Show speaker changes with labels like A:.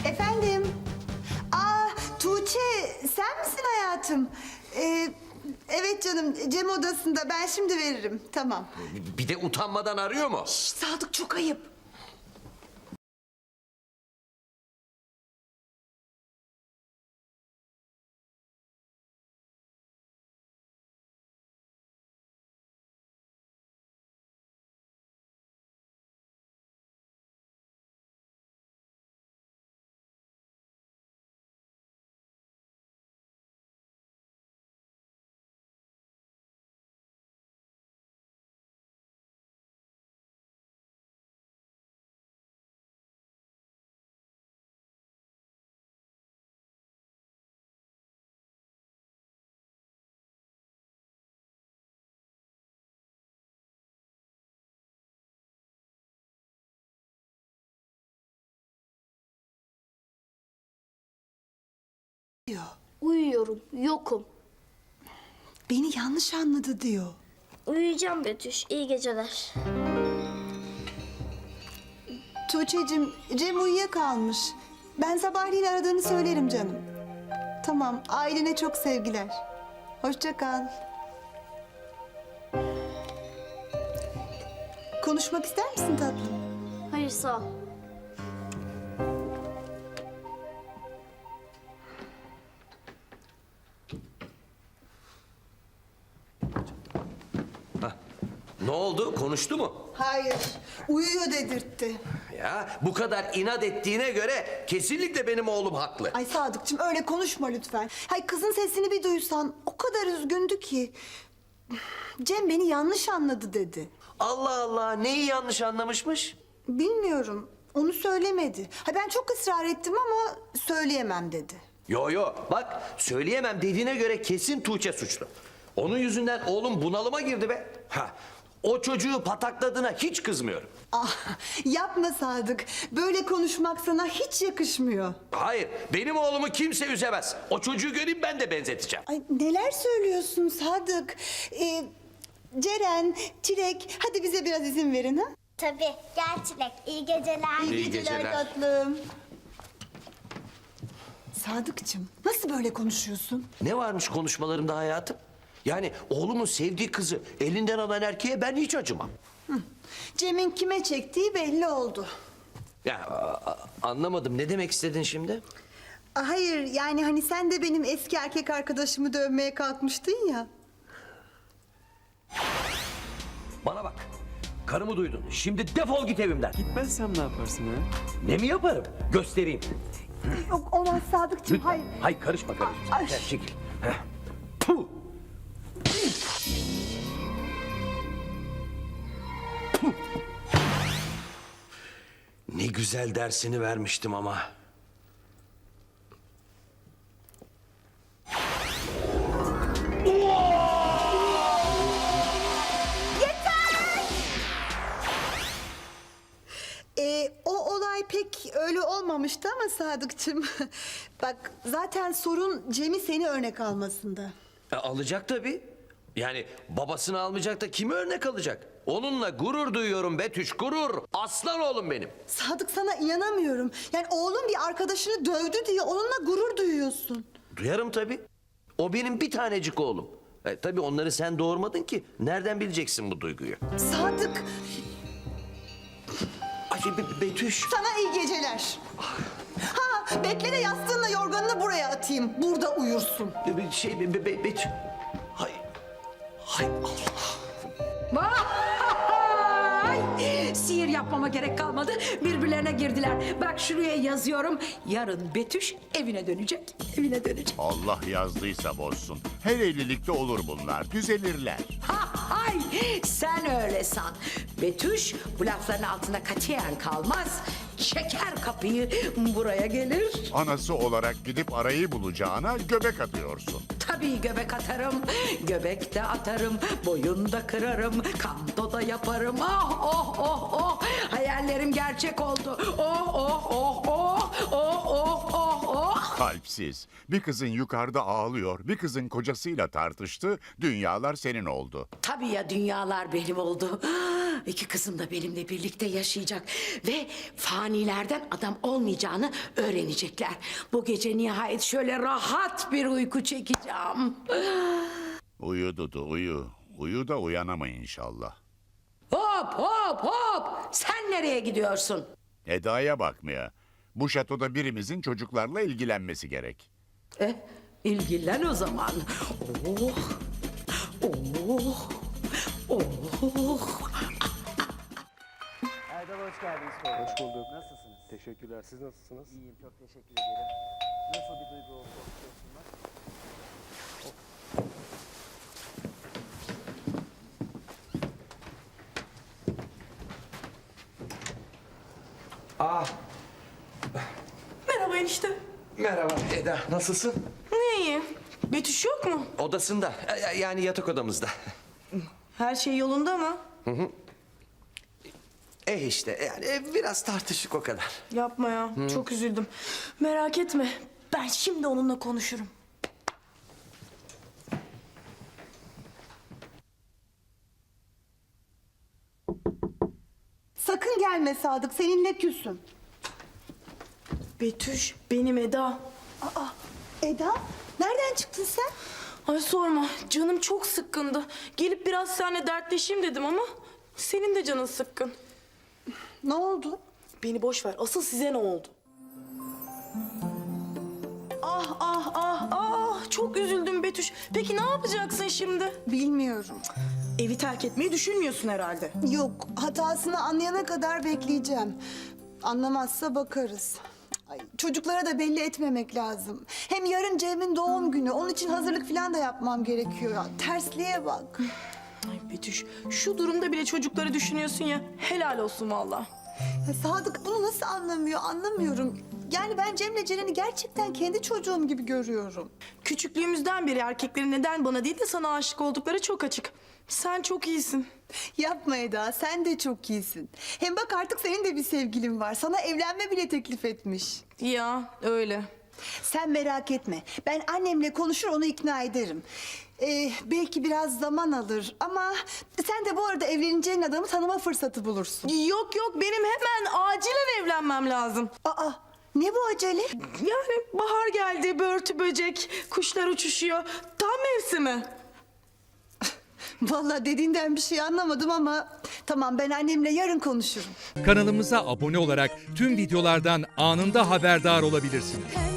A: Efendim? Aa, Tuğçe, sen misin hayatım? Evet canım, Cem odasında. Ben şimdi veririm. Tamam.
B: Bir de utanmadan arıyor mu?
A: Şş, Sadık, çok ayıp. Diyor.
C: Uyuyorum, yokum.
A: Beni yanlış anladı diyor.
C: Uyuyacağım Betüş, iyi geceler.
A: Tuğçe'cim, Cem uyuyakalmış. Ben sabahleyin aradığını söylerim canım. Tamam, ailene çok sevgiler. Hoşça kal. Konuşmak ister misin tatlım?
C: Hayır, sağ ol.
B: Ne oldu? Konuştu mu?
A: Hayır, uyuyor dedirtti.
B: Ya bu kadar inat ettiğine göre kesinlikle benim oğlum haklı.
A: Ay Sadıkçım, öyle konuşma lütfen. Hay kızın sesini bir duysan o kadar üzgündü ki. Cem beni yanlış anladı dedi.
B: Allah Allah, neyi yanlış anlamışmış?
A: Bilmiyorum, onu söylemedi. Ha ben çok ısrar ettim ama söyleyemem dedi.
B: Yo, bak söyleyemem dediğine göre kesin Tuğçe suçlu. Onun yüzünden oğlum bunalıma girdi be. O çocuğu patakladığına hiç kızmıyorum.
A: Ah, yapma Sadık. Böyle konuşmak sana hiç yakışmıyor.
B: Hayır, benim oğlumu kimse üzemez. O çocuğu göreyim ben de benzeteceğim.
A: Ay neler söylüyorsun Sadık? Ceren, Çilek, hadi bize biraz izin verin ha.
C: Tabii, gel Çilek, iyi geceler.
B: İyi geceler.
A: tatlım. Sadıkçım, nasıl böyle konuşuyorsun?
B: Ne varmış konuşmalarımda hayatım? Yani oğlumun sevdiği kızı elinden alan erkeğe ben hiç acımam.
A: Cem'in kime çektiği belli oldu.
B: Ya anlamadım, ne demek istedin şimdi?
A: Hayır, yani hani sen de benim eski erkek arkadaşımı dövmeye kalkmıştın ya.
B: Bana bak, karımı duydun. Şimdi defol git evimden.
D: Gitmezsem ne yaparsın ha?
B: Ne mi yaparım? Göstereyim.
A: Yok olmaz Sadıkçım,
B: Lütfen.
A: hayır.
B: Hayır, karışma.
A: Ay.
B: Gel, çekil. Heh. Puh. Puh. Ne güzel dersini vermiştim ama.
A: O olay pek öyle olmamıştı ama Sadıkçım. Bak zaten sorun Cem'i seni örnek almasında.
B: Alacak tabii. Yani babasını almayacak da kimi örnek alacak? Onunla gurur duyuyorum Betüş, gurur. Aslan oğlum benim.
A: Sadık sana inanamıyorum. Yani oğlum bir arkadaşını dövdü diye onunla gurur duyuyorsun.
B: Duyarım tabii. O benim bir tanecik oğlum. Tabii onları sen doğurmadın ki. Nereden bileceksin bu duyguyu?
A: Sadık,
B: Ay Betüş.
A: sana iyi geceler. Ha, bekle de yastığınla yorganını buraya atayım. Burada uyursun.
B: Betüş. Hay. Hay Allah.
E: Vay! Sihir yapmama gerek kalmadı. Birbirlerine girdiler. Bak şuraya yazıyorum. Yarın Betüş evine dönecek. Evine dönecek.
F: Allah yazdıysa bozsun. Her evlilikte olur bunlar. Düzelirler.
E: Hay! Sen öyle san. Betüş bu lafların altına katiyen kalmaz. Çeker kapıyı buraya gelir.
F: Anası olarak gidip arayı bulacağına göbek atıyorsun.
E: Tabii göbek atarım, göbek de atarım, boyun da kırarım, kando da yaparım. Oh oh oh oh, hayallerim gerçek oldu. Oh oh oh oh, oh oh oh oh.
F: Kalpsiz. Bir kızın yukarıda ağlıyor, bir kızın kocasıyla tartıştı, dünyalar senin oldu.
E: Tabii ya dünyalar benim oldu. İki kızım da benimle birlikte yaşayacak. Ve fanilerden adam olmayacağını öğrenecekler. Bu gece nihayet şöyle rahat bir uyku çekeceğim.
F: Uyu Dudu uyu. Uyu da uyanama inşallah.
E: Hop hop hop! Sen nereye gidiyorsun?
F: Eda'ya bakmaya. Bu şatoda birimizin çocuklarla ilgilenmesi gerek.
E: İlgilen o zaman. Oh, oh, oh.
D: Erdal hoş geldiniz. Hoş bulduk. Nasılsınız?
G: Teşekkürler. Siz nasılsınız?
D: İyiyim, çok teşekkür ederim. Nasıl bir duygu oldu? Okuyorsunuz?
H: Merhaba enişte.
B: Merhaba Eda, nasılsın?
H: Ne iyi? Betüş yok mu?
B: Odasında, yani yatak odamızda.
H: Her şey yolunda mı?
B: İşte yani biraz tartışık o kadar.
H: Yapma ya. Çok üzüldüm. Merak etme. Ben şimdi onunla konuşurum.
A: Sakın gelme Sadık, seninle küsüm.
H: Betüş, benim Eda.
A: Eda, nereden çıktın sen?
H: Ay sorma. Canım çok sıkkındı. Gelip biraz seninle dertleşeyim dedim ama senin de canın sıkkın.
A: Ne oldu?
H: Beni boş ver. Asıl size ne oldu? Ah ah ah ah. Çok üzüldüm Betüş. Peki ne yapacaksın şimdi?
A: Bilmiyorum.
H: Evi terk etmeyi düşünmüyorsun herhalde.
A: Yok, hatasını anlayana kadar bekleyeceğim. Anlamazsa bakarız. Ay, çocuklara da belli etmemek lazım. Hem yarın Cem'in doğum günü. Onun için hazırlık falan da yapmam gerekiyor. Ya, tersliğe bak.
H: Ay Betüş, şu durumda bile çocukları düşünüyorsun ya. Helal olsun vallahi.
A: Ya Sadık bunu nasıl anlamıyor anlamıyorum. Yani ben Cem'le Ceren'i gerçekten kendi çocuğum gibi görüyorum.
H: Küçüklüğümüzden beri erkeklerin neden bana değil de sana aşık oldukları çok açık. Sen çok iyisin.
A: Yapma Eda, sen de çok iyisin. Hem bak artık senin de bir sevgilin var. Sana evlenme bile teklif etmiş.
H: Ya öyle.
A: Sen merak etme. Ben annemle konuşur onu ikna ederim. Belki biraz zaman alır ama sen de bu arada evleneceğin adamı tanıma fırsatı bulursun.
H: Yok yok benim hemen acilen evlenmem lazım.
A: Aa, ne bu acele?
H: Yani bahar geldi, börtü böcek, kuşlar uçuşuyor. Tam mevsimi.
A: Vallahi dediğinden bir şey anlamadım ama tamam ben annemle yarın konuşurum.
I: Kanalımıza abone olarak tüm videolardan anında haberdar olabilirsiniz.